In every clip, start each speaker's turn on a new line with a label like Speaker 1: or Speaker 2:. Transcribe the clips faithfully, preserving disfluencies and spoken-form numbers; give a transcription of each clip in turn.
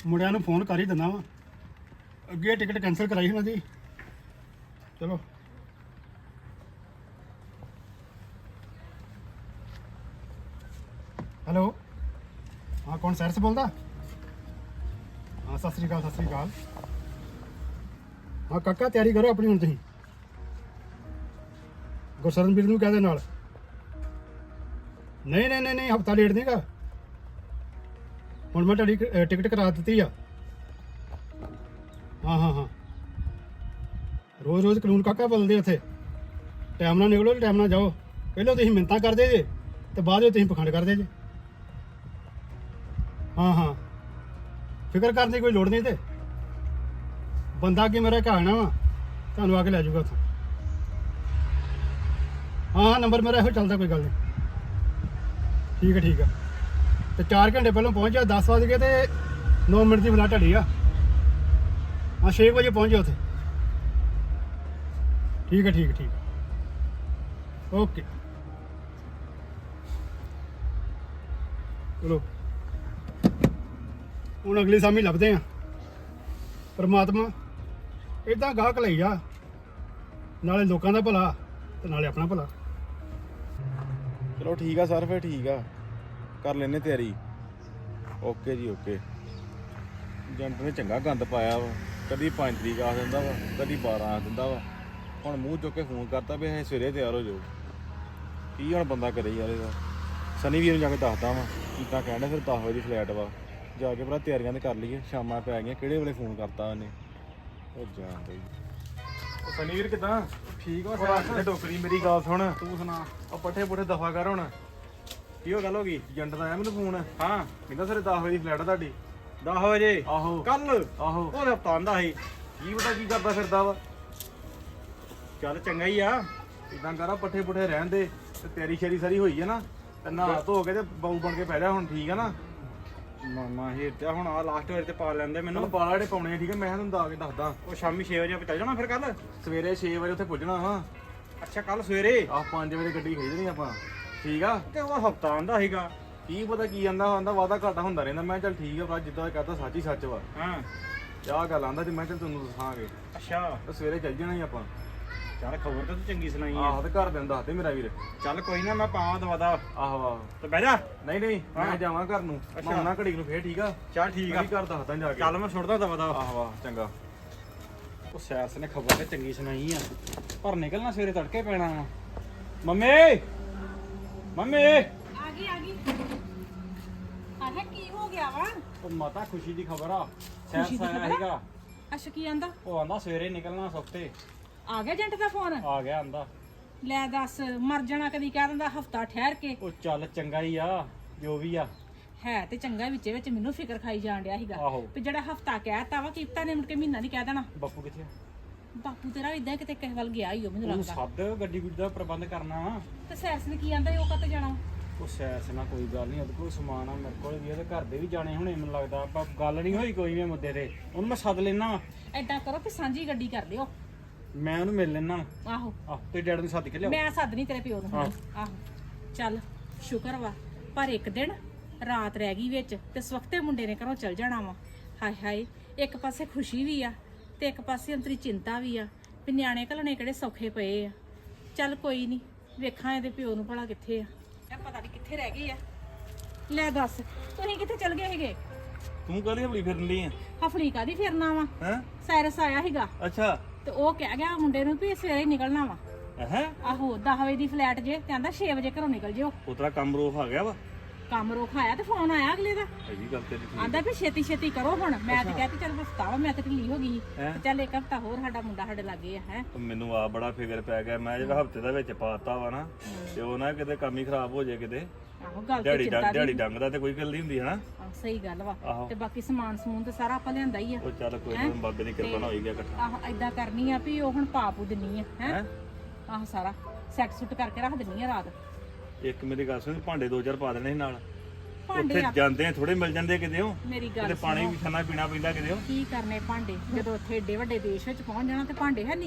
Speaker 1: ਮੁੰਡਿਆਂ ਨੂੰ ਫੋਨ ਕਰ ਹੀ ਦਿੰਦਾ ਵਾ ਅੱਗੇ ਟਿਕਟ ਕੈਂਸਲ ਕਰਾਈ ਉਹਨਾਂ ਦੀ ਚਲੋ ਹੈਲੋ ਹਾਂ ਕੌਣ ਸੈਰ ਸੇ ਬੋਲਦਾ ਹਾਂ ਸਤਿ ਸ੍ਰੀ ਅਕਾਲ ਸਤਿ ਸ੍ਰੀ ਅਕਾਲ ਹਾਂ ਕਾਕਾ ਤਿਆਰੀ ਕਰੋ ਆਪਣੀ ਹੁਣ ਤੁਸੀਂ ਗੁਰਸ਼ਰਨ ਵੀਰ ਨੂੰ ਕਹਿ ਦੇ ਨਾਲ ਨਹੀਂ ਨਹੀਂ ਨਹੀਂ ਨਹੀਂ ਹਫਤਾ ਲੇਟ ਨਹੀਂਗਾ ਹੁਣ ਮੈਂ ਤੁਹਾਡੀ ਟਿਕਟ ਕਰਾ ਦਿੱਤੀ ਆ ਹਾਂ ਹਾਂ ਹਾਂ ਰੋਜ਼ ਰੋਜ਼ ਕਾਨੂੰਨ ਕਾਕਾ ਬਦਲਦੇ ਉੱਥੇ ਟਾਈਮ ਨਾਲ ਨਿਕਲੋ ਟਾਈਮ ਨਾਲ ਜਾਓ ਪਹਿਲਾਂ ਤੁਸੀਂ ਮਿੰਨਤਾਂ ਕਰਦੇ ਜੇ ਤੇ ਬਾਅਦ ਵਿੱਚ ਤੁਸੀਂ ਪਖੰਡ ਕਰਦੇ ਜੇ ਹਾਂ ਹਾਂ ਫਿਕਰ ਕਰਨ ਦੀ ਕੋਈ ਲੋੜ ਨਹੀਂ ਤੇ ਬੰਦਾ ਅੱਗੇ ਮੇਰਾ ਘਾਣਾ ਵਾ ਤੁਹਾਨੂੰ ਆ ਕੇ ਲੈ ਜਾਊਗਾ ਉੱਥੋਂ ਹਾਂ ਹਾਂ ਨੰਬਰ ਮੇਰਾ ਇਹੋ ਚੱਲਦਾ ਕੋਈ ਗੱਲ ਨਹੀਂ ਠੀਕ ਹੈ ਠੀਕ ਆ ਤੇ ਚਾਰ ਘੰਟੇ ਪਹਿਲਾਂ ਪਹੁੰਚ ਜਾ ਦਸ ਵਜੇ ਤੇ ਨੌ ਮਿੰਟ ਦੀ ਫਲਾਈਟ ਢੜੀ ਆ ਹਾਂ ਛੇ ਵਜੇ ਪਹੁੰਚ ਜਾ ਉੱਥੇ ਠੀਕ ਹੈ ਠੀਕ ਹੈ ਠੀਕ ਓਕੇ ਚਲੋ ਹੁਣ ਅਗਲੀ ਸਾਮੀ ਲੱਭਦੇ ਆ ਪਰਮਾਤਮਾ ਇਦਾਂ ਗਾਹਕ ਲਈ ਜਾ ਨਾਲੇ ਲੋਕਾਂ ਦਾ ਭਲਾ ਤੇ ਨਾਲੇ ਆਪਣਾ ਭਲਾ
Speaker 2: ਚਲੋ ਠੀਕ ਆ ਸਰ ਫਿਰ ਠੀਕ ਆ ਕਰ ਲੈਨੇ ਤਿਆਰੀ ਓਕੇ ਜੀ ਓਕੇ ਏਜੰਟ ਨੇ ਚੰਗਾ ਗੰਦ ਪਾਇਆ ਵਾ ਕਦੀ ਪੰਜ ਤਰੀਕ ਆ ਦਿੰਦਾ ਵਾ ਕਦੀ ਬਾਰਾਂ ਆ ਦਿੰਦਾ ਵਾ ਹੁਣ ਮੂੰਹ ਚੁੱਕ ਕੇ ਫੋਨ ਕਰਤਾ ਵੀ ਇਹ ਸਵੇਰੇ ਤਿਆਰ ਹੋ ਜਾਓ ਕੀ ਹੁਣ ਬੰਦਾ ਕਰੇ ਯਾਰ ਇਹਦਾ ਸਨੀ ਵੀਰ ਨੂੰ ਜਾ ਕੇ ਦੱਸਦਾ ਵਾ ਕੀਤਾ ਕਹਿੰਦਾ ਫਿਰ ਦਸ ਵਜੇ ਦੀ ਫਲਾਈਟ ਵਾ ਜਾ ਕੇ ਭਰਾ ਤਿਆਰੀਆਂ ਤੇ ਕਰ ਲਈਏ ਸ਼ਾਮਾਂ ਪੈ ਗਈਆਂ ਕਿਹੜੇ ਵੇਲੇ ਫੋਨ ਕਰਤਾ ਉਹਨੇ ਉਹ ਜਾਣ ਦੇ ਸਨੀ ਵੀਰ ਕਿਦਾਂ ਠੀਕ ਆ ਸਾਰਾ ਟੋਕਰੀ ਮੇਰੀ ਗੱਲ ਸੁਣ ਤੂੰ ਸੁਣਾ ਉਹ ਪੱਠੇ ਪੁੱਠੇ ਦਫਾ ਕਰ ਹੁਣ ਕੀ ਹੋ ਗੱਲ ਹੋ ਗਈ ਏਜੰਟ ਦਾ ਆਇਆ ਮੈਨੂੰ ਫੋਨ ਹਾਂ ਕਹਿੰਦਾ ਸਰ ਦਸ ਵਜੇ ਦੀ ਫਲਾਈਟ ਆ ਤੁਹਾਡੀ ਦਸ ਵਜੇ ਆਹੋ ਕੱਲ ਆਹੋ ਉਹ ਹਫਤਾ ਆਂਦਾ ਸੀ ਕੀ ਪਤਾ ਕੀ ਕਰਦਾ ਫਿਰਦਾ ਵਾ ਚੱਲ ਚੰਗਾ ਹੀ ਆ ਇਦਾਂ ਕਰਾ ਪੱਠੇ ਪੁੱਠੇ ਰਹਿਣ ਦੇ ਤੇ ਤੇਰੀ ਸ਼ੇਰੀ ਸਾਰੀ ਹੋਈ ਹੈ ਨਾ ਤੇ ਨਹਾ ਧੋ ਕੇ ਤੇ ਬਾਊ ਬਣ ਕੇ ਪੈ ਜਾ ਹੁਣ ਠੀਕ ਆ ਨਾ ਮਾਮਾ ਇਹ ਤੇ ਹੁਣ ਆ ਲਾਸਟ ਵਾਰ ਤੇ ਪਾ ਲੈਂਦੇ ਮੈਨੂੰ ਪਾਲਾ ਜਿਹੜੇ ਪਾਉਣੇ ਠੀਕ ਹੈ ਮੈਂ ਤੁਹਾਨੂੰ ਦੱਸ ਕੇ ਦੱਸਦਾ ਉਹ ਸ਼ਾਮੀ ਛੇ ਵਜੇ ਆਪਾਂ ਚੱਲ ਜਾਣਾ ਫਿਰ ਕੱਲ ਸਵੇਰੇ ਛੇ ਵਜੇ ਉੱਥੇ ਪੁੱਜਣਾ ਵਾ ਅੱਛਾ ਕੱਲ ਸਵੇਰੇ ਆ ਪੰਜ ਵਜੇ ਗੱਡੀ ਖਿੱਚਣੀ ਆਪਾਂ ਠੀਕ ਆ ਤੇ ਉਹ ਹਫਤਾ ਆਂਦਾ ਸੀਗਾ ਕੀ ਪਤਾ ਕੀ ਆਂਦਾ ਆਂਦਾ ਵਾਦਾ ਘਾਟਾ ਹੁੰਦਾ ਰਹਿੰਦਾ ਮੈਂ ਚੱਲ ਠੀਕ ਆ ਭਰਾ ਜਿੱਦਾਂ ਕਹਤਾ ਸੱਚ ਹੀ ਸੱਚ ਵਾ ਹਾਂ ਆਹ ਗੱਲ ਆਂਦਾ ਤੇ ਮੈਂ ਚੱਲ ਤੁਹਾਨੂੰ ਦੱਸਾਂਗੇ ਅੱਛਾ ਤੇ ਸਵੇਰੇ ਚੱਲ ਜਾਣਾ ਹੀ ਆਪਾਂ ਚੱਲ ਖਬਰ ਤਾਂ ਤੂੰ ਚੰਗੀ ਸੁਣਾਈ ਆਹੋ ਤੇ ਘਰ ਦੇ ਨੂੰ ਦੱਸ ਦੇ ਮੇਰਾ ਵੀਰ ਚੱਲ ਕੋਈ ਨਾ ਮੈਂ ਪਾਵਾਂ ਦਵਾਦਾ ਆਹੋ ਆਹੋ ਤੇ ਬਹਿ ਜਾ ਨਹੀਂ ਨਹੀਂ ਮੈਂ ਜਾਵਾਂ ਘਰ ਨੂੰ ਮੈਂ ਆਉਣਾ ਘੜੀ ਨੂੰ ਫੇਰ ਠੀਕ ਆ ਚੱਲ ਠੀਕ ਆ ਘਰ ਦੱਸਦਾ ਜਾ ਕੇ ਚੱਲ ਮੈਂ ਸੁੱਟਦਾ ਦਵਾਦਾ ਆਹੋ ਆਹ ਚੰਗਾ ਉਹ ਸੈਰਸ ਨੇ ਖਬਰ ਤੇ ਚੰਗੀ ਸੁਣਾਈ ਆ ਪਰ ਨਿਕਲਣਾ ਸਵੇਰੇ ਤੜਕੇ ਪੈਣਾ ਵਾ ਮੰਮੀ ਮੰਮੀ
Speaker 3: ਆ ਗਈ ਆ ਗਈ ਆਹ ਕੀ ਹੋ ਗਿਆ ਵਾ
Speaker 2: ਉਹ ਮਾਤਾ ਖੁਸ਼ੀ ਦੀ ਖਬਰ ਆ ਸੈਰਸ ਆਇਆ ਸੀਗਾ
Speaker 3: ਅੱਛਾ ਕੀ ਆਂਦਾ
Speaker 2: ਉਹ ਆਂਦਾ ਸਵੇਰੇ ਨਿਕਲਣਾ ਸੁਖਤੇ
Speaker 3: ਆ ਗਿਆ ਏਜੰਟ ਦਾ ਫੋਨ
Speaker 2: ਆ ਗਿਆ ਆਂਦਾ
Speaker 3: ਲੈ ਦੱਸ ਮਰ ਜਾਣਾ ਕਦੀ ਕਹਿ ਦਿੰਦਾ ਹਫਤਾ ਠਹਿਰ ਕੇ
Speaker 2: ਉਹ ਚੱਲ ਚੰਗਾ ਹੀ ਆ ਜੋ ਵੀ ਆ
Speaker 3: ਹੈ ਤੇ ਚੰਗਾ ਵਿੱਚ ਵਿੱਚ ਮੈਨੂੰ ਫਿਕਰ ਖਾਈ ਜਾਣ ਡਿਆ ਸੀਗਾ
Speaker 2: ਆਹੋ
Speaker 3: ਵੀ ਜਿਹੜਾ ਹਫਤਾ ਕਹਿਤਾ ਵਾ ਕੀਪਤਾ ਨੇ ਮੁੜ ਕੇ ਮਹੀਨਾ ਨਹੀਂ ਕਹਿ ਦੇਣਾ
Speaker 2: ਬਾਪੂ ਕਿੱਥੇ ਆ
Speaker 3: ਬਾਪੂ ਤੇਰਾ ਇਦਾਂ ਕਿਤੇ ਕਿਸੇ ਵੱਲ ਗਿਆ ਹੀ ਉਹ ਮੈਨੂੰ
Speaker 2: ਉਹਨੂੰ
Speaker 3: ਲੱਗਦਾ
Speaker 2: ਸੱਦ ਗੱਡੀ ਗੁੱਡੀ ਦਾ ਪ੍ਰਬੰਧ ਕਰਨਾ ਵਾ
Speaker 3: ਤੇ ਸੈਰਸ ਨੇ ਕੀ ਆਂਦਾ ਉਹ ਕੱਤ ਜਾਣਾ
Speaker 2: ਉਹ ਸੈਰਸ ਨਾਲ ਕੋਈ ਗੱਲ ਨਹੀਂ ਉਹਦੇ ਕੋਲ ਸਮਾਨ ਆ ਮੇਰੇ ਕੋਲ ਵੀ ਇਹਦੇ ਘਰ ਦੇ ਵੀ ਜਾਣੇ ਹੁਣੇ ਮੈਨੂੰ ਲੱਗਦਾ ਆਪਾਂ ਗੱਲ ਨਹੀਂ ਹੋਈ ਕੋਈ ਵੀ ਮੁੱਦੇ ਤੇ ਉਹਨੂੰ ਮੈਂ ਸੱਦ ਲੈਣਾ
Speaker 3: ਐਦਾਂ ਕਰੋ ਕਿ ਸਾਂਝੀ ਗੱਡੀ ਕਰ ਲਿਓ
Speaker 2: ਮੈਂ ਉਹਨੂੰ ਮਿਲ ਲੈਣਾ
Speaker 3: ਆਹੋ
Speaker 2: ਆਹ ਤੇ ਡੈਡ ਨੂੰ ਸੱਦ ਕੇ ਲਿਆਓ
Speaker 3: ਮੈਂ ਸੱਦ ਨਹੀਂ ਤੇਰੇ ਪਿਓ ਨੂੰ ਹੁਣ। ਆਹੋ ਚੱਲ ਸ਼ੁਕਰ ਵਾ ਪਰ ਇੱਕ ਦਿਨ ਰਾਤ ਰਹਿ ਗਈ ਵਿੱਚ ਤੇ ਸਵਖਤੇ ਮੁੰਡੇ ਨੇ ਘਰੋਂ ਚਲ ਜਾਣਾ ਵਾ ਹਾਏ ਹਾਏ ਇੱਕ ਪਾਸੇ ਖੁਸ਼ੀ ਵੀ ਆ ਤੇ ਇੱਕ ਪਾਸੇ ਅੰਤਰੀ ਚਿੰਤਾ ਵੀ ਆ ਵੀ ਨਿਆਣੇ ਘਲਣੇ ਕਿਹੜੇ ਸੌਖੇ ਪਏ ਆ ਚੱਲ ਕੋਈ ਨਹੀਂ ਵੇਖਾਂ ਇਹਦੇ ਪਿਓ ਨੂੰ ਭਲਾ ਕਿੱਥੇ ਆ ਇਹ ਪਤਾ ਨਹੀਂ ਕਿੱਥੇ ਰਹਿ ਗਈ ਆ ਲੈ ਦੱਸ ਤੁਸੀਂ ਕਿੱਥੇ ਚਲ ਗਏ ਸੀਗੇ
Speaker 2: ਤੂੰ ਕਾਹਦੀ ਹਵਲੀ ਫਿਰਨ ਲਈ ਆ
Speaker 3: ਹਫਲੀ ਕਾਦੀ ਫਿਰਨਾ ਵਾ
Speaker 2: ਹੈ
Speaker 3: ਸਾਇਰਸ ਆਇਆ ਸੀਗਾ
Speaker 2: ਅੱਛਾ
Speaker 3: ਤੇ ਉਹ ਕਹਿ ਗਿਆ ਮੁੰਡੇ ਨੂੰ ਵੀ ਸਵੇਰੇ ਨਿਕਲਣਾ ਵਾ
Speaker 2: ਹੈ
Speaker 3: ਆਹੋ ਦਸ ਵਜੇ ਦੀ ਫਲੈਟ ਜੇ ਤੇ ਆਂਦਾ ਛੇ ਵਜੇ ਘਰੋਂ ਨਿਕਲ ਜਿਓ
Speaker 2: ਉਤਰਾ ਕੰਮ ਰੋਕ ਆ ਗਿਆ ਵਾ
Speaker 3: ਕੰਮ ਰੋਕ ਆਇਆ ਤੇ ਫੋਨ ਆਇਆ ਅਗਲੇ ਦਾ
Speaker 2: ਇਹ ਵੀ ਗੱਲ ਤੇਰੀ ਠੀਕ
Speaker 3: ਆਂਦਾ ਵੀ ਛੇਤੀ ਛੇਤੀ ਕਰੋ ਹੁਣ ਮੈਂ ਤੇ ਕਹਿੰਦੀ ਚੱਲ ਹਫਤਾ ਵਾ ਮੈਂ ਤੇ ਢਿੱਲੀ ਹੋ ਗਈ
Speaker 2: ਹੈਂ?
Speaker 3: ਚੱਲ ਇੱਕ ਹਫਤਾ ਹੋਰ ਸਾਡਾ ਮੁੰਡਾ ਸਾਡੇ ਲਾਗੇ ਆ ਹੈ
Speaker 2: ਮੈਨੂੰ ਆ ਬੜਾ ਫਿਕਰ ਪੈ ਗਿਆ ਮੈਂ ਜਿਹੜਾ ਹਫਤੇ ਦਾ ਵਿੱਚ ਪਾਤਾ ਵਾ ਨਾ ਤੇ ਉਹ ਨਾ ਕਿਤੇ ਕੰਮ ਹੀ ਖਰਾਬ ਹੋ ਜਾਏ ਕਿਤੇ
Speaker 3: ਆਹੋ ਗੱਲ ਤੇ
Speaker 2: ਦਿਹਾੜੀ
Speaker 3: ਚਿੰਤਾ
Speaker 2: ਡੰਗ ਦਿਹਾੜੀ
Speaker 3: ਦੀ
Speaker 2: ਡੰਗ ਦਾ ਤੇ ਕੋਈ ਗੱਲ ਨਹੀਂ ਹੁੰਦੀ ਹਨਾ
Speaker 3: ਆਹ, ਸਹੀ ਗੱਲ ਵਾ
Speaker 2: ਆਹੋ।
Speaker 3: ਤੇ ਬਾਕੀ ਸਮਾਨ ਸਮੂਨ ਤੇ ਸਾਰਾ ਆਪਾਂ ਲਿਆਂਦਾ ਹੀ ਆ
Speaker 2: ਉਹ ਚੱਲ ਕੋਈ ਨਾ ਬਾਬੇ ਦੀ ਕਿਰਪਾ ਨਾਲ ਹੋਈ ਗਿਆ ਇਕੱਠਾ
Speaker 3: ਆਹੋ ਏਦਾਂ ਕਰਨੀ ਆ ਵੀ ਉਹ ਹੁਣ ਪਾਪੂ ਦਿੰਨੀ ਆ ਹੈ
Speaker 2: ਹੈਂ?
Speaker 3: ਆਹੋ ਸਾਰਾ ਸੈੱਟ ਸੁੱਟ ਕਰਕੇ ਰੱਖ ਦਿੰਨੀ ਆ ਰਾਤ
Speaker 2: ਇੱਕ ਮੇਰੀ ਗੱਲ ਸੁਣ ਭਾਂਡੇ ਦੋ ਚਾਰ ਪਾ ਦੇਣੇ ਸੀ ਨਾਲ
Speaker 3: ਭਾਂਡੇ
Speaker 2: ਉੱਥੇ
Speaker 3: ਆ
Speaker 2: ਜਾਂਦੇ ਆ ਥੋੜੇ ਮਿਲ ਜਾਂਦੇ ਕਿਤੇ ਉਹ
Speaker 3: ਮੇਰੀ
Speaker 2: ਕਿਤੇ
Speaker 3: ਗੱਲ
Speaker 2: ਪਾਣੀ ਵੀ ਖਾਣਾ ਪੀਣਾ ਪੈਂਦਾ ਕਿਤੇ ਉਹ
Speaker 3: ਕੀ ਕਰਨੇ ਭਾਂਡੇ ਜਦੋਂ ਉੱਥੇ ਏਡੇ ਵੱਡੇ ਦੇਸ਼ ਵਿੱਚ ਪਹੁੰਚ ਜਾਣਾ ਤੇ ਭਾਂਡੇ ਹੈ ਨਹੀਂਗੇ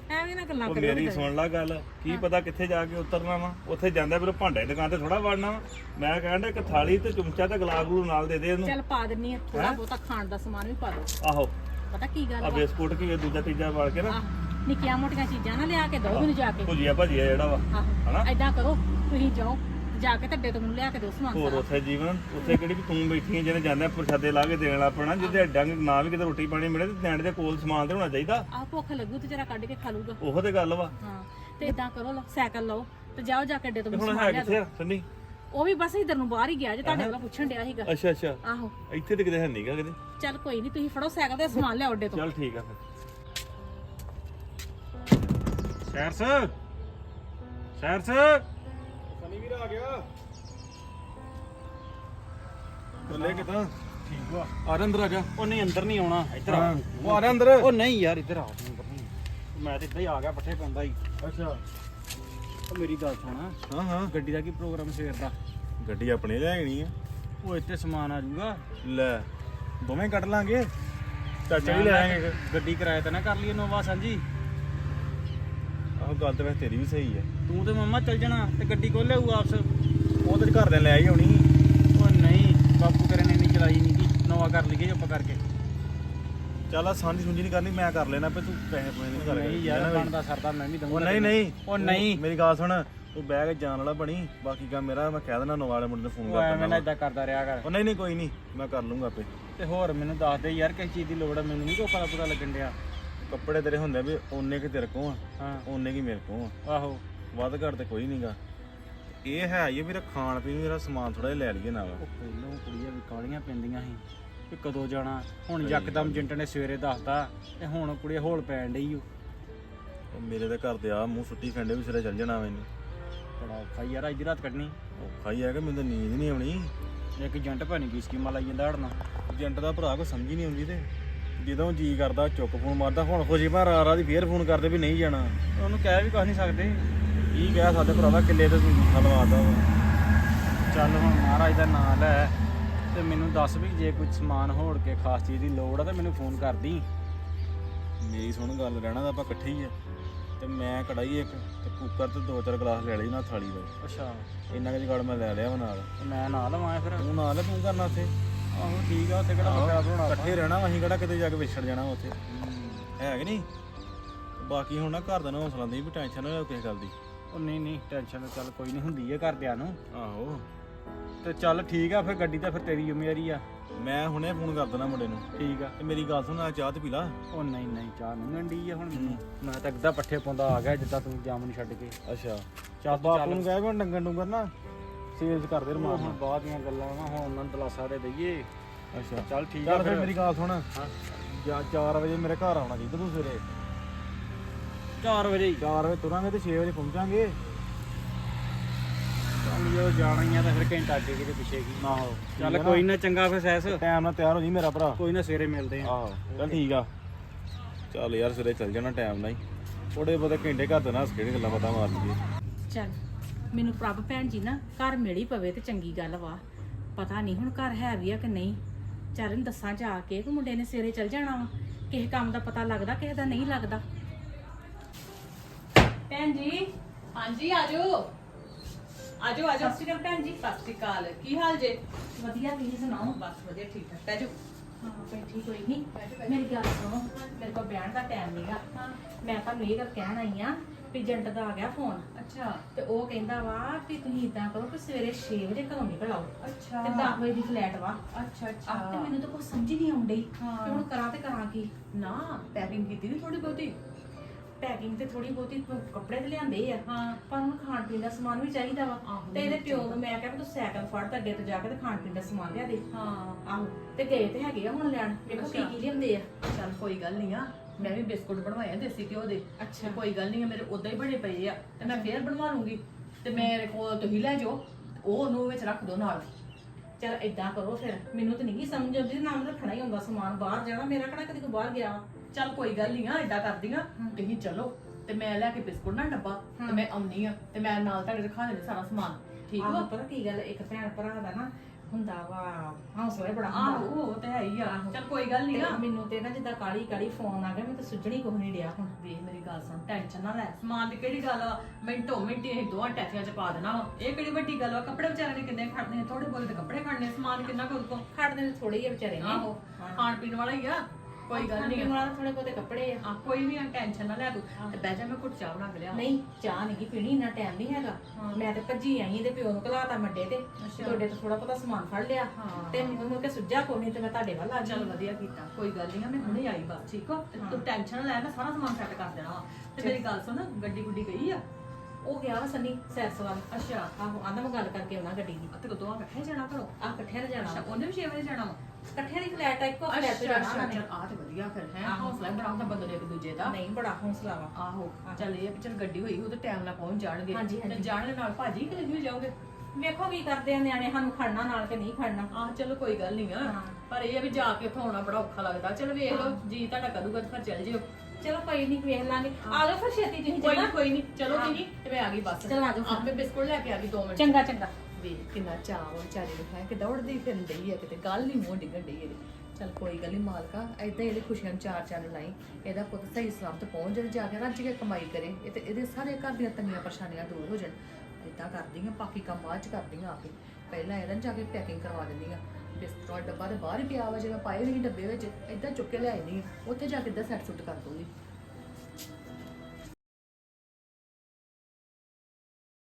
Speaker 3: ਐਵੇਂ ਨਾ ਗੱਲਾਂ
Speaker 2: ਉਹ
Speaker 3: ਕਰਿਓ
Speaker 2: ਮੇਰੀ
Speaker 3: ਕਿਤੇ।
Speaker 2: ਸੁਣ ਲੈ ਗੱਲ, ਕੀ ਪਤਾ ਕਿੱਥੇ ਜਾ ਕੇ ਉਤਰਨਾ ਵਾ। ਉੱਥੇ ਜਾਂਦਾ ਫਿਰ ਭਾਂਡੇ ਦੀ ਦੁਕਾਨ ਤੇ ਥੋੜਾ ਵੜਨਾ ਵਾ। ਮੈਂ ਕਹਿੰਦਾ ਇੱਕ ਥਾਲੀ ਤੇ ਚਮਚਾ ਤੇ ਗਲਾਸ ਗਲੂ ਨਾਲ ਦੇ ਦੇ ਉਹਨੂੰ।
Speaker 3: ਚੱਲ ਪਾ ਦਿੰਨੀ ਆ ਥੋੜਾ ਬਹੁਤਾ ਖਾਣ ਦਾ ਸਮਾਨ ਵੀ ਪਾ ਦੋ।
Speaker 2: ਆਹੋ
Speaker 3: ਪਤਾ ਕੀ ਗੱਲ
Speaker 2: ਆ
Speaker 3: ਵਾ
Speaker 2: ਬਿਸਕੁਟ ਕੀ ਦੂਜਾ ਤੀਜਾ ਵੜ ਕੇ ਨਾ
Speaker 3: ਆਹ, ਨਿੱਕੀਆਂ ਮੋਟੀਆਂ ਚੀਜ਼ਾਂ ਨਾ ਲਿਆ ਕੇ ਦੋ ਮੈਨੂੰ ਜਾ ਕੇ।
Speaker 2: ਭੁਜੀਆ ਭਜੀਆ ਜਿਹੜਾ ਵਾ ਹਨਾ।
Speaker 3: ਆਹੋ ਏਦਾਂ ਕਰੋ ਤੁਸੀਂ ਜਾਓ ਜਾ ਕੇ ਤੁਹਾਡੇ ਤੋਂ ਮੈਨੂੰ ਲਿਆ ਕੇ ਦਿਓ ਸਮਾਨ
Speaker 2: ਹੋਰ
Speaker 3: ਸਾਰਾ।
Speaker 2: ਉੱਥੇ ਜੀਵਨ ਉੱਥੇ ਕਿਹੜੀ ਵੀ ਤੂੰ ਬੈਠੀ ਹੈ ਜਿਹਨੇ ਜਾਂਦਾ ਪ੍ਰਸ਼ਾਦੇ ਲਾ ਕੇ ਦੇਣ ਲੱਪਣਾ, ਜਿਹਦੇ ਡੰਗ ਨਾ ਵੀ ਕਿਤੇ ਰੋਟੀ ਪਾਣੀ ਮਿਲੇ ਤੇ ਨੈਂਡ ਦੇ ਕੋਲ ਸਮਾਨ ਤੇ ਹੋਣਾ ਚਾਹੀਦਾ।
Speaker 3: ਆਹ ਭੁੱਖ ਲੱਗੂ ਤੇ ਜਰਾ ਕੱਢ ਕੇ ਖਾ ਲੂਗਾ।
Speaker 2: ਉਹੋ ਤੇ ਗੱਲ ਵਾ।
Speaker 3: ਹਾਂ ਤੇ ਏਦਾਂ ਕਰੋ ਲਓ ਸਾਈਕਲ ਲਓ ਤੇ ਜਾਓ ਜਾ ਕੇ ਅੱਡੇ ਤੋਂ
Speaker 2: ਤੇ
Speaker 3: ਮੈਨੂੰ
Speaker 2: ਹੁਣ
Speaker 3: ਸਮਾਨ
Speaker 2: ਹੈ
Speaker 3: ਲਿਆ
Speaker 2: ਕਿੱਥੇ
Speaker 3: ਦਿਓ।
Speaker 2: ਆ ਸੰਨੀ?
Speaker 3: ਉਹ ਵੀ ਬਸ ਇਧਰ ਨੂੰ ਬਾਹਰ ਹੀ ਗਿਆ ਜੇ ਤੁਹਾਡੇ ਵੱਲੋਂ ਪੁੱਛਣ ਡਿਆ ਸੀਗਾ।
Speaker 2: ਅੱਛਾ ਅੱਛਾ
Speaker 3: ਆਹੋ
Speaker 2: ਇੱਥੇ ਤੇ ਕਿਤੇ ਹੈ ਨਹੀਂਗਾ ਕਿਤੇ।
Speaker 3: ਚੱਲ ਕੋਈ ਨਹੀਂ ਤੁਸੀਂ ਫੜੋ ਸਾਈਕਲ ਤੇ ਸਮਾਨ ਲਿਆਓ ਅੱਡੇ ਤੋਂ।
Speaker 2: ਚੱਲ ਠੀਕ ਆ ਫਿਰ। ਸੈਰਸ ਸੈਰਸ
Speaker 1: ਸਨੀ ਵੀਰ ਆ ਗਿਆ।
Speaker 2: ਬੱਲੇ ਕਿਦਾਂ?
Speaker 1: ਠੀਕ ਵਾ।
Speaker 2: ਆ ਅੰਦਰ ਆ ਜਾ।
Speaker 4: ਉਹ ਨਹੀਂ ਅੰਦਰ ਨਹੀਂ ਆਉਣਾ ਇੱਧਰ ਆ।
Speaker 2: ਉਹ ਆ ਰਿਹਾ ਅੰਦਰ।
Speaker 4: ਉਹ ਨਹੀਂ ਯਾਰ ਇੱਧਰ ਆ ਤੂੰ ਅੰਦਰ ਨਹੀਂ। ਮੈਂ ਤੇ ਇੱਦਾਂ ਹੀ ਆ ਗਿਆ ਪੱਠੇ ਪਾਉਂਦਾ ਹੀ।
Speaker 2: ਅੱਛਾ
Speaker 4: ਉਹ ਮੇਰੀ ਗੱਲ ਸੁਣ,
Speaker 2: ਹਾਂ ਹਾਂ
Speaker 4: ਗੱਡੀ ਦਾ ਕੀ ਪ੍ਰੋਗਰਾਮ ਸਵੇਰ ਦਾ?
Speaker 2: ਗੱਡੀ ਆਪਣੀ ਲੈ ਆਣੀ ਆ।
Speaker 4: ਉਹ ਇੱਥੇ ਸਮਾਨ ਆ ਜਾਊਗਾ।
Speaker 2: ਲੈ ਦੋਵੇਂ ਕੱਢ ਲਾਂਗੇ। ਚਾਚਾ ਵੀ ਲੈ ਆਏਗੇ।
Speaker 4: ਗੱਡੀ ਕਿਰਾਏ ਤੇ ਨਾ ਕਰ ਲਈਏ ਨੋਵਾ ਸਾਂਝੀ।
Speaker 2: ਆਹ ਗੱਲ ਤੇ ਵੈਸੇ ਤੇਰੀ ਵੀ ਸਹੀ ਹੈ।
Speaker 4: ਤੂੰ ਤੇ ਮੰਮਾ ਚੱਲ ਜਾਣਾ ਤੇ ਗੱਡੀ ਕੋਲ ਲਿਆਊ ਆਪਸ।
Speaker 2: ਉਹ ਤੇ ਘਰ ਦੇ ਲੈ ਆਈ ਹੋਣੀ।
Speaker 4: ਉਹ ਨਹੀਂ ਬਾਪੂ ਕਰੇ ਨੇ ਨਹੀਂ ਚਲਾਈ ਨਹੀਂ ਕੀ ਨੋਵਾ ਕਰ ਲਈਏ ਚੁੱਪ ਕਰਕੇ।
Speaker 2: ਚੱਲ ਆ ਸਾਂਝੀ ਸੁੰਝੀ ਨਹੀਂ ਕਰਨੀ, ਮੈਂ ਕਰ ਲੈਣਾ। ਪੇ ਤੂੰ ਪੈਸੇ ਪੂਸੇ ਨਹੀਂ ਕਰ
Speaker 4: ਨਹੀਂ ਯਾਰ ਬਣਦਾ ਸਰਦਾ ਮੈਂ ਵੀ ਦਊਂਗਾ।
Speaker 2: ਉਹ ਨਹੀਂ ਨਹੀਂ
Speaker 4: ਉਹ ਨਹੀਂ
Speaker 2: ਮੇਰੀ ਗੱਲ ਸੁਣ, ਤੂੰ ਬਹਿ ਕੇ ਜਾਣ ਵਾਲਾ ਬਣੀ। ਬਾਕੀ ਕੰਮ ਮੇਰਾ ਮੈਂ ਕਹਿ ਦੇਣਾ ਨਵਾਲੇ ਮੁੰਡੇ ਨੂੰ ਫੋਨ
Speaker 4: ਉਹ
Speaker 2: ਕਰ
Speaker 4: ਐਵੇਂ ਨਾ
Speaker 2: ਦਿੰਦਾ।
Speaker 4: ਇਦਾਂ ਕਰਦਾ ਰਿਹਾ ਕਰ।
Speaker 2: ਉਹ ਨਹੀਂ ਨਹੀਂ ਕੋਈ ਨਹੀਂ, ਮੈਂ ਕਰ ਲੂੰਗਾ ਆਪੇ।
Speaker 4: ਤੇ ਹੋਰ ਮੈਨੂੰ ਦੱਸ ਦੇ ਯਾਰ ਕਿਸ ਚੀਜ਼ ਦੀ ਲੋੜ ਆ, ਮੈਨੂੰ ਨਹੀਂ ਕੋਈ ਪਤਾ ਪਤਾ ਲੱਗਣ ਡਿਆ।
Speaker 2: ਕੱਪੜੇ ਤੇਰੇ ਹੁੰਦੇ ਵੀ ਓਨੇ ਕਿ ਤੇਰੇ ਕੋਲ ਆ,
Speaker 4: ਹਾਂ
Speaker 2: ਓਨੇ ਕੀ ਮੇਰੇ ਕੋਲ ਆ।
Speaker 4: ਆਹੋ
Speaker 2: ਵੱਧ ਘੱਟ ਤੇ ਕੋਈ ਨਹੀਂਗਾ। ਇਹ ਹੈ ਇਹ ਮੇਰਾ ਖਾਣ ਪੀਣ ਮੇਰਾ ਸਮਾਨ ਥੋੜਾ ਜਿਹਾ ਲੈ ਲਈਏ ਨਾਲ।
Speaker 4: ਉਹ ਪਹਿਲਾਂ ਕੁੜੀਆਂ ਵੀ ਕਾਲੀਆਂ ਪੈਂਦੀਆਂ ਸੀ ਕਿ ਕਦੋਂ ਜਾਣਾ। ਹੁਣ ਯਕਦਮ ਏਜੰਟ ਨੇ ਸਵੇਰੇ ਦੱਸਤਾ ਤੇ ਹੁਣ ਕੁੜੀ ਹੌਲ ਪੈਣ ਡਈ ਓ।
Speaker 2: ਉਹ ਮੇਰੇ ਦੇ ਘਰ ਦੇ ਆ ਮੂੰਹ ਸੁੱਟੀ ਖੰਡੇ ਵੀ ਸਿਰੇ ਚੱਲ ਜਾਣਾ ਮੈਨੂੰ।
Speaker 4: ਬੜਾ ਔਖਾ ਯਾਰ ਅੱਜ ਦੀ ਰਾਤ ਕੱਢਣੀ।
Speaker 2: ਔਖਾ ਹੀ ਹੈ ਕਿ ਮੈਨੂੰ ਤਾਂ ਨੀਂਦ ਨਹੀਂ ਆਉਣੀ।
Speaker 4: ਇੱਕ ਏਜੰਟ ਭਾਣੀ ਕੀ ਸਕੀਮਾਂ ਲਾਈ ਜਾਂਦਾ ਹੜਨਾ।
Speaker 2: ਏਜੰਟ ਦਾ ਭਰਾ ਕੋਈ ਸਮਝ ਹੀ ਨਹੀਂ ਆਉਂਦੀ। ਤੇ ਜਦੋਂ ਜੀ ਕਰਦਾ ਚੁੱਕ ਫੋਨ ਮਾਰਦਾ। ਹੁਣ ਖੁਸ਼ੀ ਭਾ ਰਾ ਰਾ ਦੀ ਫੇਰ ਫੋਨ ਕਰਦੇ ਵੀ ਨਹੀਂ ਜਾਣਾ।
Speaker 4: ਉਹਨੂੰ ਕਹਿ ਵੀ ਕੁਝ ਨਹੀਂ ਸਕਦੇ।
Speaker 2: ਕੀ ਕਹਿ ਸਾਡੇ ਭਰਾਵਾ ਕਿੱਲੇ ਤੇ ਹਲਵਾਦਾ ਵਾ।
Speaker 4: ਚੱਲ ਹੁਣ ਮਹਾਰਾਜ ਦਾ ਨਾਂ ਲੈ ਤੇ ਮੈਨੂੰ ਦੱਸ ਵੀ ਜੇ ਕੋਈ ਸਮਾਨ ਹੋੜ ਕੇ ਖਾਸ ਚੀਜ਼ ਦੀ ਲੋੜ ਆ ਤੇ ਮੈਨੂੰ ਫੋਨ ਕਰਦੀ।
Speaker 2: ਮੇਰੀ ਸੁਣ ਗੱਲ, ਰਹਿਣਾ ਤਾਂ ਆਪਾਂ ਇਕੱਠੇ ਹੀ ਆ। ਤੇ ਮੈਂ ਕੜਾਈ ਇੱਕ ਤੇ ਕੁੱਕਰ ਤੇ ਦੋ ਚਾਰ ਗਲਾਸ ਲੈ ਲਈ ਨਾ ਥਾਲੀ ਦਾ।
Speaker 4: ਅੱਛਾ
Speaker 2: ਇੰਨਾ ਕੁ ਜਗੜ ਮੈਂ ਲੈ ਲਿਆ ਵਾ ਨਾਲ।
Speaker 4: ਤੇ ਮੈਂ ਨਾ ਲਵਾਂ ਫਿਰ।
Speaker 2: ਤੂੰ ਨਾਲ ਤੂੰ ਕਰਨਾ ਉੱਥੇ।
Speaker 4: ਆਹੋ ਠੀਕ ਆ ਉੱਥੇ ਕਿਹੜਾ ਬੱਕਰਾ ਬਣਾਉਣਾ
Speaker 2: ਇਕੱਠੇ ਰਹਿਣਾ ਵਾ, ਅਸੀਂ ਕਿਹੜਾ ਕਿਤੇ ਜਾ ਕੇ ਵਿਛੜ ਜਾਣਾ ਉੱਥੇ, ਹੈ ਕਿ ਨਹੀਂ। ਬਾਕੀ ਹੁਣ ਨਾ ਘਰ ਦਾ ਨਾ ਹੌਸਲਾ ਨਹੀਂ ਵੀ ਟੈਨਸ਼ਨ ਨਾ ਲਿਓ ਕਿਸੇ ਗੱਲ ਦੀ।
Speaker 4: ਉਹ ਨਹੀਂ ਨਹੀਂ ਟੈਨਸ਼ਨ ਚੱਲ ਕੋਈ ਨਹੀਂ ਹੁੰਦੀ ਹੈ ਘਰਦਿਆਂ ਨੂੰ।
Speaker 2: ਆਹੋ
Speaker 4: ਤੇ ਚੱਲ ਠੀਕ ਆ ਫਿਰ ਗੱਡੀ ਤਾਂ ਫਿਰ ਤੇਰੀ ਜ਼ਿੰਮੇਵਾਰੀ ਆ।
Speaker 2: ਮੈਂ ਹੁਣੇ ਫੋਨ ਕਰ ਦੇਣਾ ਮੁੰਡੇ ਨੂੰ।
Speaker 4: ਠੀਕ ਆ।
Speaker 2: ਤੇ ਮੇਰੀ ਗੱਲ ਸੁਣ, ਆ ਚਾਹ ਤੇ ਪੀ ਲਾ।
Speaker 4: ਉਹ ਨਹੀਂ ਨਹੀਂ ਚਾਹ ਨਹੀਂ ਗੰਢੀ ਆ ਹੁਣ ਮੈਨੂੰ। ਮੈਂ ਤਾਂ ਅੱਧਾ ਪੱਠੇ ਪਾਉਂਦਾ ਆ ਗਿਆ ਜਿੱਦਾਂ ਤੂੰ ਜਾਮ ਨੂੰ ਛੱਡ ਕੇ।
Speaker 2: ਅੱਛਾ
Speaker 4: ਚੱਲ
Speaker 2: ਬਾਪੂ ਨੂੰ ਕਹਿ ਵੀ ਹੁਣ ਡੰਗਰ ਡੁੰਗਰ ਨਾ ਸੇਲਸ ਕਰਦੇ ਰਮਾਨ
Speaker 4: ਹੁਣ ਬਾਅਦ ਦੀਆਂ ਗੱਲਾਂ ਵਾ ਹੁਣ ਉਹਨਾਂ ਨੂੰ ਦਲਾਸਾ ਦੇ ਦਈਏ।
Speaker 2: ਅੱਛਾ
Speaker 4: ਚੱਲ ਠੀਕ ਆ
Speaker 2: ਚੱਲ ਫਿਰ
Speaker 4: ਫਿਰ।
Speaker 2: ਮੇਰੀ ਗੱਲ ਸੁਣ,
Speaker 4: ਹਾਂ
Speaker 2: ਜਾਂ ਚਾਰ ਵਜੇ ਮੇਰੇ ਘਰ ਆਉਣਾ ਚਾਹੀਦਾ ਤੂੰ ਸਵੇਰੇ।
Speaker 4: ਚਾਰ ਵਜੇ ਹੀ।
Speaker 2: ਚਾਰ ਵਜੇ ਤੁਰਾਂਗੇ ਤੇ ਛੇ ਵਜੇ ਪਹੁੰਚਾਂਗੇ।
Speaker 4: ਚੱਲ ਜੋ ਜਾਣਾ ਹੀ ਆ ਤਾਂ ਫਿਰ ਘੰਟਾ ਅੱਗੇ ਕਿਤੇ ਪਿੱਛੇ ਕੀ।
Speaker 2: ਆਹੋ
Speaker 4: ਚੱਲ ਕੋਈ ਨਾ ਚੰਗਾ ਫਿਰ ਸੈਸ।
Speaker 2: ਟਾਈਮ ਨਾਲ ਤਿਆਰ ਹੋ ਜੀ ਮੇਰਾ ਭਰਾ।
Speaker 4: ਕੋਈ ਨਾ ਸਵੇਰੇ ਮਿਲਦੇ ਆ।
Speaker 2: ਆਹੋ ਚੱਲ ਠੀਕ ਆ। ਚੱਲ ਯਾਰ ਸਵੇਰੇ ਚੱਲ ਜਾਣਾ ਟਾਈਮ ਨਾਲ ਹੀ। ਥੋੜੇ ਬਹੁਤੇ ਘੰਟੇ ਘਰ ਦੇ ਨਾਲ ਹੱਸ ਖੇਡ ਗੱਲਾਂ ਬਾਤਾਂ ਮਾਰ ਲਈਏ।
Speaker 3: ਚੱਲ ਮੈਨੂੰ ਪ੍ਰਭ ਭੈਣ ਜੀ ਨਾ ਘਰ ਮਿਲ ਹੀ ਪਵੇ ਤੇ ਚੰਗੀ ਗੱਲ ਵਾ। ਪਤਾ ਨਹੀਂ ਹੁਣ ਘਰ ਹੈ ਵੀ ਆ ਕਿ ਨਹੀਂ। ਚੱਲ ਇਹਨੂੰ ਦੱਸਾਂ ਜਾ ਕੇ ਕਿ ਮੁੰਡੇ ਨੇ ਸਵੇਰੇ ਚੱਲ ਜਾਣਾ ਵਾ। ਕਿਸੇ ਕੰਮ ਦਾ ਪਤਾ ਲੱਗਦਾ ਕਿਸੇ ਦਾ ਨਹੀਂ ਲੱਗਦਾ। ਭੈਣ ਜੀ
Speaker 5: ਹਾਂਜੀ ਆਜੋ ਆਜੋ ਆਜੋ
Speaker 3: ਸਤਿ ਸ਼੍ਰੀ ਅਕਾਲ ਭੈਣ ਜੀ।
Speaker 5: ਸਤਿ ਸ਼੍ਰੀ ਅਕਾਲ। ਕੀ ਹਾਲ ਜੇ?
Speaker 3: ਵਧੀਆ ਤੁਸੀਂ ਸੁਣਾਓ।
Speaker 5: ਬਸ ਵਧੀਆ ਠੀਕ ਠਾਕ। ਬੈਜੋ।
Speaker 3: ਹਾਂ ਬੈਠੀ ਕੋਈ ਨਹੀਂ। ਮੇਰੀ ਗੱਲ ਸੁਣੋ, ਮੇਰੇ ਕੋਲ ਬਹਿਣ ਦਾ ਟਾਈਮ ਨਹੀਂਗਾ। ਮੈਂ ਤੁਹਾਨੂੰ ਇਹ ਗੱਲ ਕਹਿਣ ਆਈ ਆ ਵੀ ਏਜੰਟ ਦਾ ਆ ਗਿਆ ਫੋਨ।
Speaker 5: ਅੱਛਾ
Speaker 3: ਤੇ ਉਹ ਕਹਿੰਦਾ ਵਾ ਵੀ ਤੁਸੀਂ ਇਦਾਂ ਕਰੋ ਕਿ ਸਵੇਰੇ ਛੇ ਵਜੇ ਘਰੋਂ ਨਿਕਲ ਆਓ
Speaker 5: ਅੱਛਾ
Speaker 3: ਤੇ ਦਸ ਵਜੇ ਦੀ ਫਲੈਟ ਵਾ।
Speaker 5: ਅੱਛਾ
Speaker 3: ਆਹ ਤੇ ਮੈਨੂੰ ਤਾਂ ਕੁਝ ਸਮਝ ਹੀ ਨਹੀਂ ਆਉਂਦੀ
Speaker 5: ਹਾਂ।
Speaker 3: ਕਿ ਹੁਣ ਕਰਾਂ ਤੇ ਕਰਾਂ ਕੀ।
Speaker 5: ਨਾ ਪੈਕਿੰਗ ਕੀਤੀ ਨਹੀਂ ਥੋੜੀ ਬਹੁਤੀ?
Speaker 3: ਪੈਕਿੰਗ ਤੇ ਥੋੜੀ ਬਹੁਤੀ ਕ- ਕੱਪੜੇ ਤੇ ਲਿਆਂਦੇ ਆ
Speaker 5: ਹਾਂ
Speaker 3: ਪਰ ਹੁਣ ਖਾਣ ਪੀਣ ਦਾ ਸਮਾਨ ਵੀ ਚਾਹੀਦਾ ਵਾ।
Speaker 5: ਆਹੋ,
Speaker 3: ਤੇ ਇਹਦੇ ਪਿਓ ਨੂੰ ਮੈਂ ਕਿਹਾ ਵੀ ਤੂੰ ਸਾਈਕਲ ਫੜ ਤੇ ਅੱਡੇ ਤੋਂ ਜਾ ਕੇ ਤੇ ਖਾਣ ਪੀਣ ਦਾ ਸਮਾਨ ਲਿਆ ਦੇ।
Speaker 5: ਹਾਂ
Speaker 3: ਆਹੋ ਤੇ ਗਏ ਤੇ ਹੈਗੇ ਆ ਹੁਣ ਲੈਣ। ਵੇਖੋ ਕੀ
Speaker 5: ਅੱਛਾ।
Speaker 3: ਕੀ ਲਿਆਂਦੇ ਆ।
Speaker 5: ਚੱਲ ਕੋਈ ਗੱਲ ਨਹੀਂ ਆ। ਮੈਂ ਵੀ ਬਿਸਕੁਟ ਬਣਵਾਏ ਆ ਦੇਸੀ ਘਿਓ ਦੇ।
Speaker 3: ਅੱਛਾ।
Speaker 5: ਤੇ ਕੋਈ ਗੱਲ ਨਹੀਂ ਮੇਰੇ ਉਦਾਂ ਹੀ ਬਣੇ ਪਏ ਆ ਤੇ ਮੈਂ ਫੇਰ ਬਣਵਾ ਲੂੰਗੀ। ਤੇ ਮੇਰੇ ਕੋਲ ਤੁਸੀਂ ਲੈ ਜਾਓ, ਉਹ ਉਹਨੂੰ ਵਿੱਚ ਰੱਖ ਦਿਓ ਨਾਲ।
Speaker 3: ਚਲ ਏਦਾਂ ਕਰੋ ਫਿਰ। ਮੈਨੂੰ ਤਾਂ ਨਹੀਂ ਸਮਝ ਆਉਂਦੀ ਨਾਮ ਰੱਖਣਾ ਹੀ ਹੁੰਦਾ ਸਮਾਨ। ਬਾਹਰ ਜਾਣਾ ਮੇਰਾ ਕਿਹੜਾ ਕਦੀ ਕੋਈ ਬਾਹਰ ਗਿਆ ਵਾ।
Speaker 5: ਚੱਲ ਕੋਈ ਗੱਲ ਨਹੀਂ ਆ, ਏਦਾਂ ਕਰਦੀ ਆ ਤੁਸੀਂ ਚਲੋ ਤੇ ਮੈਂ ਲੈ ਕੇ ਬਿਸਕੁਟ ਨਾ ਡੱਬਾ ਤੇ ਮੈਂ ਆਉਣੀ ਆ ਤੇ ਮੈਂ ਨਾਲ ਤੁਹਾਡੇ ਰਖਾ ਦੇਣਾ ਸਾਰਾ ਸਮਾਨ। ਠੀਕ
Speaker 3: ਆਹੋ
Speaker 5: ਵਾ?
Speaker 3: ਪਤਾ ਕੀ ਗੱਲ, ਇੱਕ ਭੈਣ ਭਰਾ ਦਾ ਨਾ ਹੁੰਦਾ ਵਾ ਹੌਸਲਾ ਹੀ ਬੜਾ
Speaker 5: ਆਹੋ
Speaker 3: ਹੁੰਦਾ
Speaker 5: ਉਹ ਤੇ ਹੈ ਹੀ ਆ ਚੱਲ ਕੋਈ ਗੱਲ ਨਹੀਂ
Speaker 3: ਤੇ
Speaker 5: ਆ
Speaker 3: ਮੈਨੂੰ ਤੇ ਨਾ ਜਿੱਦਾਂ ਕਾਲੀ ਕਾਲੀ ਫੋਨ ਆ ਗਿਆ ਮੈਂ ਤਾਂ ਸੁਝਣੀ ਕੁਝ ਨਹੀਂ ਡਿਆ ਹੁਣ
Speaker 5: ਵੇਖ ਮੇਰੀ ਗੱਲ ਸੁਣ ਟੈਨਸ਼ਨ ਨਾ ਲੈ ਸਮਾਨ ਦੀ ਕਿਹੜੀ ਗੱਲ ਆ ਮਿੰਟੋ ਮਿੰਟੀ ਇਹ ਦੋਹਾਂ ਟੈਚੀਆਂ ਚ ਪਾ ਦੇਣਾ ਵਾ ਇਹ ਕਿਹੜੀ ਵੱਡੀ ਗੱਲ ਆ ਕੱਪੜੇ ਵਿਚਾਰੇ ਨੇ ਕਿੰਨੇ ਖੜਨੇ ਥੋੜੇ ਬੋਲੇ ਤੇ ਕੱਪੜੇ ਖੜਨੇ ਸਮਾਨ ਕਿੰਨਾ ਕੁ ਕੋ
Speaker 3: ਖੜਦੇ ਨੇ ਥੋੜੇ ਜਿਹੇ ਵਿਚਾਰੇ ਨੇ
Speaker 5: ਆਹੋ ਖਾਣ ਪੀਣ ਵਾਲਾ ਹੀ ਆ ਕੋਈ ਗੱਲ ਨਹੀਂ ਆ
Speaker 3: ਥੋੜੇ ਬਹੁਤੇ ਕੱਪੜੇ ਆ
Speaker 5: ਆ ਕੋਈ ਨਹੀਂ ਟੈਨਸ਼ਨ ਨਾ ਲੈ ਤੂੰ ਤੇ ਬਹਿ ਜਾ ਮੈਂ ਘੁੱਟ ਚਾਹ ਬਣਾ ਕੇ ਲਿਆ
Speaker 3: ਨਹੀਂ ਚਾਹ ਨਹੀਂ ਪੀਣੀ ਇੰਨਾ ਟਾਈਮ ਨਹੀਂ ਹੈਗਾ ਮੈਂ ਤੇ ਭੱਜੀ ਆਈ ਇਹਦੇ ਪਿਓ ਨੂੰ ਘਲਾਤਾ ਮੰਡੇ ਤੇ ਤੁਹਾਡੇ ਤੋਂ ਥੋੜਾ ਬਹੁਤਾ ਸਮਾਨ ਫੜ ਲਿਆ ਤੇ ਮੈਨੂੰ ਮੁੜ ਕੇ ਸੁੱਜਾ ਕੋਈ ਨਹੀਂ ਤੇ ਮੈਂ ਤੁਹਾਡੇ ਵੱਲ ਆ
Speaker 5: ਚੱਲ ਵਧੀਆ ਕੀਤਾ ਕੋਈ ਗੱਲ ਨਹੀਂ ਆ ਮੈਂ ਹੁਣੇ ਆਈ ਬਸ ਠੀਕ ਹੋ ਤੇ ਤੂੰ ਟੈਨਸ਼ਨ ਨਾ ਲੈ ਮੈਂ ਸਾਰਾ ਸਮਾਨ ਸੈੱਟ ਕਰ ਦੇਣਾ ਵਾ ਤੇ ਮੇਰੀ ਗੱਲ ਸੁਣ ਗੱਡੀ ਗੁੱਡੀ ਗਈ ਆ
Speaker 3: ਉਹ ਗਿਆ ਵਾ ਸੰਨੀ ਸੈਰਸ ਵੱਲ
Speaker 5: ਅੱਛਾ
Speaker 3: ਆਹੋ ਆਂਦਾ ਮੈਂ ਗੱਲ ਕਰਕੇ ਆਉਣਾ ਗੱਡੀ ਦੀ
Speaker 5: ਤੇ ਕਦੋਂ ਇਕੱਠੇ ਜਾਣਾ ਘਰੋਂ
Speaker 3: ਆ ਇਕੱਠਿਆਂ ਨੇ ਜਾਣਾ
Speaker 5: ਅੱਛਾ ਉਹਨੇ ਵੀ ਛੇ ਵਜੇ ਜਾਣਾ ਵਾ
Speaker 3: ਇਕੱਠਿਆਂ ਦੀ ਫਲੈਟ ਆ ਇੱਕੋ ਫਲੈਟ ਤੇ ਜਾਣਾ ਉਹਨਾਂ ਨੇ
Speaker 5: ਚੱਲ ਆ ਤੇ ਵਧੀਆ ਫਿਰ ਹੈ ਹੌਸਲਾ ਬੜਾ ਹੁੰਦਾ ਬੰਦੇ ਨੂੰ ਇੱਕ ਦੂਜੇ ਦਾ
Speaker 3: ਨਹੀਂ ਬੜਾ ਹੌਸਲਾ ਵਾ
Speaker 5: ਆਹੋ ਚੱਲ ਇਹ ਆ ਵੀ ਚੱਲ ਗੱਡੀ ਹੋਈ ਉਹ ਤੇ ਟਾਈਮ ਨਾਲ ਪਹੁੰਚ ਜਾਣਗੇ
Speaker 3: ਹਾਂਜੀ, ਹਾਂਜੀ।
Speaker 5: ਤੇ ਜਾਣ ਦੇ ਨਾਲ ਭਾਜੀ ਕਿ ਤੁਸੀਂ ਜਾਓਗੇ
Speaker 3: ਵੇਖੋ ਕੀ ਕਰਦੇ ਆ ਨਿਆਣੇ ਸਾਨੂੰ ਖੜਨਾ ਨਾਲ ਕਿ ਨਹੀਂ ਖੜਨਾ
Speaker 5: ਆਹ ਚਲੋ ਕੋਈ ਗੱਲ ਨਹੀਂ ਆ
Speaker 3: ਹਾਂ।
Speaker 5: ਪਰ ਇਹ ਆ ਵੀ ਜਾ ਕੇ ਉੱਥੋਂ ਆਉਣਾ ਬੜਾ ਔਖਾ ਲੱਗਦਾ ਚਲ ਵੇਖ ਲਓ ਜੀ ਤੁਹਾਡਾ ਕਰੂਗਾ ਤੇ ਫਿਰ ਚੱਲ ਜਿਓ
Speaker 3: ਚਲੋ ਕੋਈ ਨਹੀਂ ਵੇਖ ਲਾਂਗੇ ਆ ਜਾਓ ਫਿਰ ਛੇਤੀ ਤੁਸੀਂ
Speaker 5: ਕੋਈ
Speaker 3: ਚੰਗਾ
Speaker 5: ਨਹੀਂ ਕੋਈ ਨਹੀਂ ਚਲੋ ਨਹੀਂ ਤੇ ਮੈਂ ਆ ਗਈ ਬਸ
Speaker 3: ਚਲ ਆ ਜਾਓ ਫਿਰ।
Speaker 5: ਆਪੇ ਬਿਸਕੁਟ ਲੈ ਕੇ ਆ ਗਈ ਦੋ ਮਿੰਟ
Speaker 3: ਚੰਗਾ ਚੰਗਾ
Speaker 5: ਵੇਖ ਕਿੰਨਾ ਚਾਅ ਵਾ ਵਿਚਾਰੀ ਨੂੰ ਹੈ ਕਿ ਦੌੜਦੀ ਫਿਰਦੀ ਆ ਕਿਤੇ ਗੱਲ ਨਹੀਂ ਮੂੰਹ ਡਿੱਗਣ ਡਈ ਇਹਦੀ ਚੱਲ ਕੋਈ ਗੱਲ ਨਹੀਂ ਮਾਲਕਾ ਏਦਾਂ ਇਹਦੀ ਖੁਸ਼ੀਆਂ ਨੂੰ ਚਾਰ ਚੰਨ ਲਾਈ ਇਹਦਾ ਪੁੱਤ ਸਹੀ ਸਲਾਮਤ ਪਹੁੰਚ ਜਾਏ ਜਾ ਕੇ ਰੱਜ ਕੇ ਕਮਾਈ ਕਰੇ ਇਹ ਤੇ ਇਹਦੇ ਸਾਰੇ ਘਰ ਦੀਆਂ ਤੰਗੀਆਂ ਪਰੇਸ਼ਾਨੀਆਂ ਦੂਰ ਹੋ ਜਾਣ ਏਦਾਂ ਕਰਦੀ ਆ ਬਾਕੀ ਕੰਮ ਬਾਅਦ ਚ ਕਰਦੀ ਆ ਆਪੇ ਪਹਿਲਾਂ ਇਹਨਾਂ ਜਾ ਕੇ ਪੈਕਿੰਗ ਕਰਵਾ ਦਿੰਦੀ ਆ ਬਿਸਕੁਟ ਦਾ ਡੱਬਾ ਤੇ ਬਾਹਰ ਹੀ ਪਿਆ ਵਾ ਜਿਵੇਂ ਪਾਏ ਨਹੀਂ ਡੱਬੇ ਵਿੱਚ ਏਦਾਂ ਚੁੱਕ ਕੇ ਲਿਆਈ ਨਹੀਂ ਉੱਥੇ ਜਾ ਕੇ ਏਦਾਂ ਸੈੱਟ ਸੁੱਟ ਕਰ ਦੂੰਗੀ